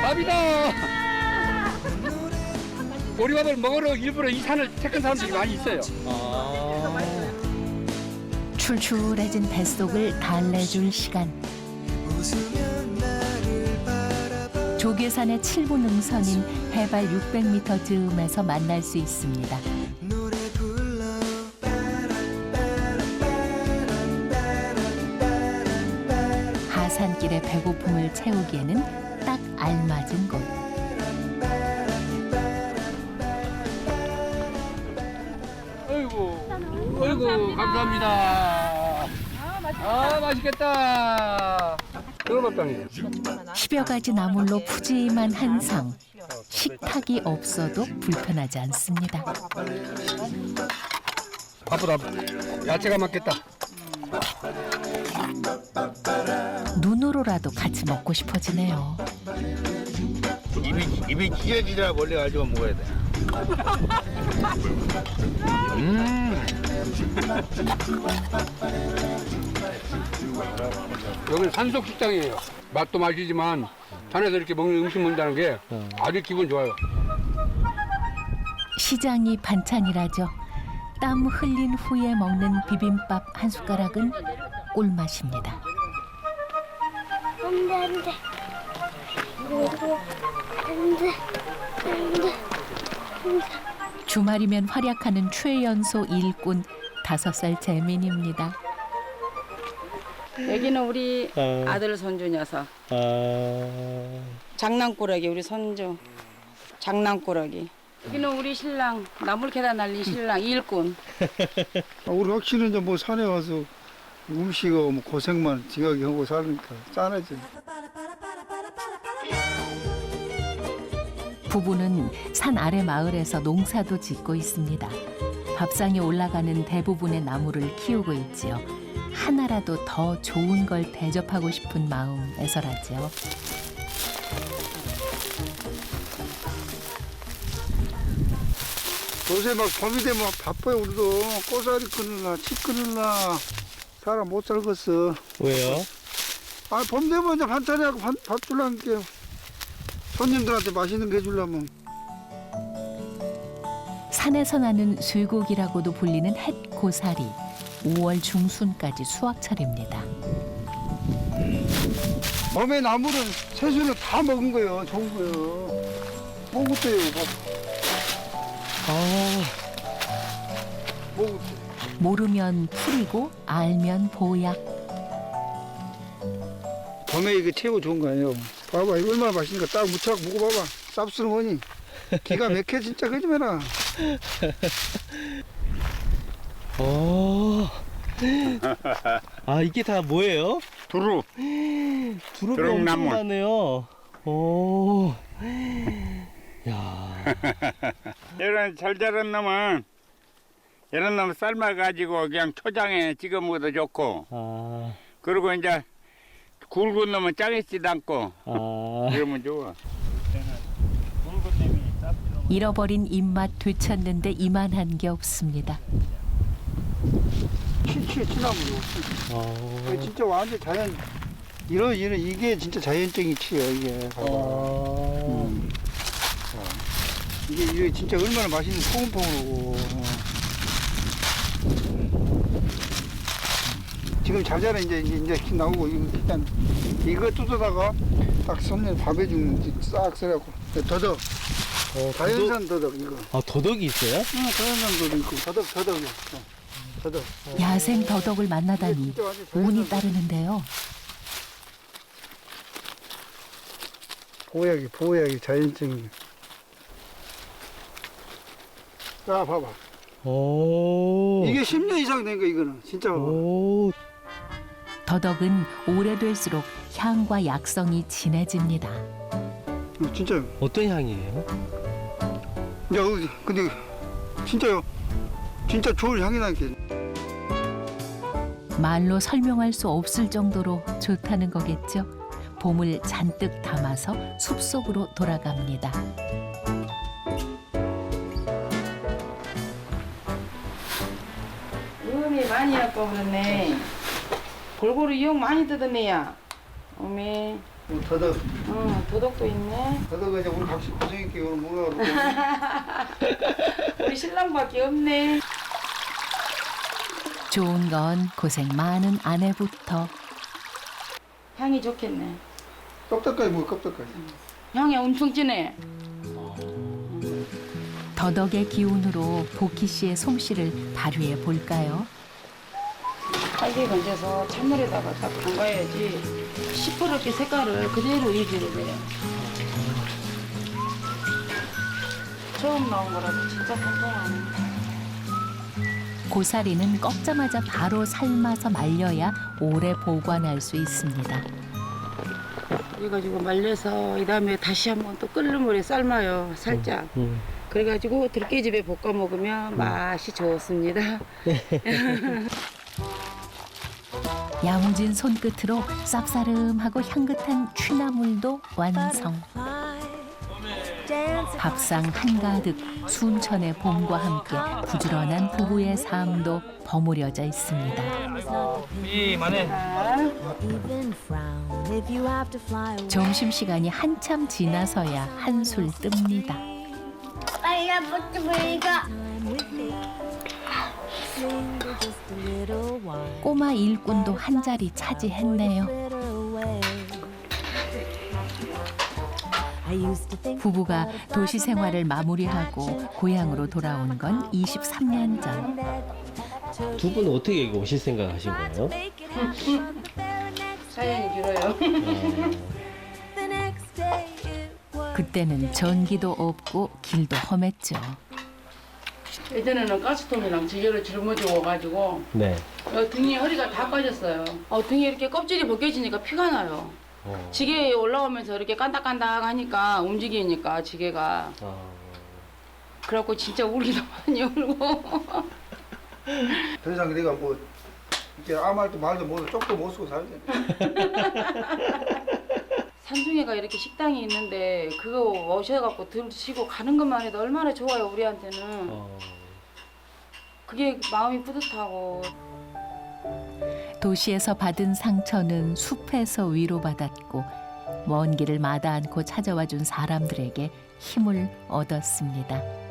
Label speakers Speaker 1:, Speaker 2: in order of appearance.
Speaker 1: 밥이다. 보리밥을 먹으러 일부러 이 산을 택한 사람들이 많이 있어요.
Speaker 2: 출출해진 뱃속을 달래줄 시간. 조계산의 7분 능선인 해발 600m 즈음에서 만날 수 있습니다. 하산길의 배고픔을 채우기에는 딱 알맞은 곳.
Speaker 1: 아이고 감사합니다. 아 맛있겠다. 들어봤다니.
Speaker 2: 10여 가지 나물로 푸짐한 한상. 식탁이 없어도 불편하지 않습니다.
Speaker 1: 바쁘다. 야채가 맞겠다.
Speaker 2: 눈으로라도 같이 먹고 싶어지네요.
Speaker 3: 입이 찢어지라 원래 가지고 먹어야 돼.
Speaker 1: 여기는 산속 식당이에요. 맛도 맛이지만 산에서 이렇게 먹는 음식 먹는다는 게 아주 기분 좋아요.
Speaker 2: 시장이 반찬이라죠. 땀 흘린 후에 먹는 비빔밥 한 숟가락은 꿀맛입니다.
Speaker 4: 안 돼, 안 돼. 안 돼.
Speaker 2: 주말이면 활약하는 최연소 일꾼 5살 재민입니다.
Speaker 5: 여기는 우리 아들 손주 녀석. 장난꾸러기 우리 손주. 장난꾸러기. 여기는 우리 신랑 나물 계단 날린 신랑 일꾼.
Speaker 6: 우리 확실히 이제 뭐 산에 와서 음식하고 뭐 고생만 지각이 하고 사니까 짠하지.
Speaker 2: 부부는 산 아래 마을에서 농사도 짓고 있습니다. 밥상에 올라가는 대부분의 나무를 키우고 있지요. 하나라도 더 좋은 걸 대접하고 싶은 마음에서라죠.
Speaker 6: 요새 막 봄이 되면 바빠요. 우리도 꼬사리 끊으나 치 끊으나 사람 못 살겠어.
Speaker 3: 왜요?
Speaker 6: 아, 봄 되면 이제 반찬하고 밥 주려니까 손님들한테 맛있는 거 해주려면.
Speaker 2: 산에서 나는 쇠고기라고도 불리는 햇고사리. 5월 중순까지 수확철입니다.
Speaker 6: 봄에 나물은 채소는 다 먹은 거예요. 좋은 거예요. 먹었대요. 먹었대.
Speaker 2: 모르면 풀이고 알면 보약.
Speaker 6: 봄에 이게 최고 좋은 거 아니에요. 봐봐, 이거 얼마나 맛있는가. 딱 무쳐갖고 먹어봐봐. 쌉스러우니 기가 막혀 진짜. 그러지 마라.
Speaker 3: 아 이게 다 뭐예요?
Speaker 7: 두루.
Speaker 3: 두릅이
Speaker 7: 두릅나물.
Speaker 3: 엄청 많네요. 오. 야.
Speaker 7: 이런 잘 자란 놈은 이런 놈 삶아가지고 그냥 초장에 찍어 먹어도 좋고,
Speaker 3: 아.
Speaker 7: 그리고 이제 굵은 놈은 짜겠지도 않고
Speaker 3: 아.
Speaker 7: 그러면 좋아.
Speaker 2: 잃어버린 입맛 되찾는데 이만한 게 없습니다.
Speaker 6: 치나물이요. 진짜 완전 자연. 이게 진짜 자연적인 치예요. 이게. 봐봐. 이게 진짜 얼마나 맛있는 포근포근하고. 지금 잘 자라 이제 나오고 일단 이거 뜯어다가 딱 손님 밥에 주면 싹 썰어갖고 더덕. 자연산 더덕 이거.
Speaker 3: 아 더덕이 있어요?
Speaker 6: 응, 자연산 더덕 있고 더덕이요. 더덕.
Speaker 2: 야생 더덕을 만나다니 운이 따르는데요.
Speaker 6: 보약이 자연적인. 자, 봐봐.
Speaker 3: 오.
Speaker 6: 이게 10년 이상 된 거 이거는 진짜 봐봐.
Speaker 3: 오.
Speaker 2: 더덕은 오래될수록 향과 약성이 진해집니다.
Speaker 6: 진짜.
Speaker 3: 어떤 향이에요?
Speaker 6: 야, 근데 진짜요. 진짜 좋은 향이 나게.
Speaker 2: 말로 설명할 수 없을 정도로 좋다는 거겠죠. 봄을 잔뜩 담아서 숲속으로 돌아갑니다.
Speaker 5: 음이 많이 갖고 그러네. 골고루 이용 많이 뜯었네야. 어메.
Speaker 6: 더덕.
Speaker 5: 도덕도 있네.
Speaker 6: 더덕 이제 우리 각시 고생했기 오늘 뭐가
Speaker 5: 우리 신랑밖에 없네.
Speaker 2: 좋은 건 고생 많은 아내부터.
Speaker 5: 향이 좋겠네.
Speaker 6: 껍데까지 뭐 껍데까지.
Speaker 5: 향이 엄청 진해.
Speaker 2: 더덕의 기운으로 보키 씨의 솜씨를 발휘해 볼까요?
Speaker 5: 빨리 건져서 찬물에다가 딱 담가야지 시퍼렇게 색깔을 그대로 유지를 해요. 처음 나온 거라서 진짜 통통하네.
Speaker 2: 고사리는 꺾자마자 바로 삶아서 말려야 오래 보관할 수 있습니다.
Speaker 5: 그래가지고 말려서 이 다음에 다시 한번 또 끓는 물에 삶아요. 살짝. 그래가지고 들깨집에 볶아 먹으면 맛이 좋습니다.
Speaker 2: 야무진 손끝으로 쌉싸름하고 향긋한 취나물도 완성. 밥상 한가득 순천의 봄과 함께 부지런한 부부의 삶도 버무려져 있습니다. 점심시간이 한참 지나서야 한술 뜹니다. 꼬마 일꾼도 한 자리 차지했네요. 부부가 도시 생활을 마무리하고 고향으로 돌아온 건 23년 전.
Speaker 3: 두 분은 어떻게 여기 오실 생각 하신 거예요?
Speaker 5: 사연이 길어요.
Speaker 2: 그때는 전기도 없고 길도 험했죠.
Speaker 5: 예전에는 가스통이랑 지게를 짊어져가지고
Speaker 3: 네.
Speaker 5: 등이 허리가 다 빠졌어요. 등이 이렇게 껍질이 벗겨지니까 피가 나요. 지게에 올라오면서 이렇게 깐닥깐닥하니까 움직이니까 지게가. 그래갖고 진짜 울기도 많이 울고.
Speaker 6: 더 이상 내가 뭐 이제 아무 말도 말도 못해 쪽도 못 쓰고 살지.
Speaker 5: 산중에가 이렇게 식당이 있는데 그거 오셔갖고 드시고 가는 것만 해도 얼마나 좋아요 우리한테는. 그게 마음이 뿌듯하고.
Speaker 2: 도시에서 받은 상처는 숲에서 위로받았고 먼 길을 마다 않고 찾아와 준 사람들에게 힘을 얻었습니다.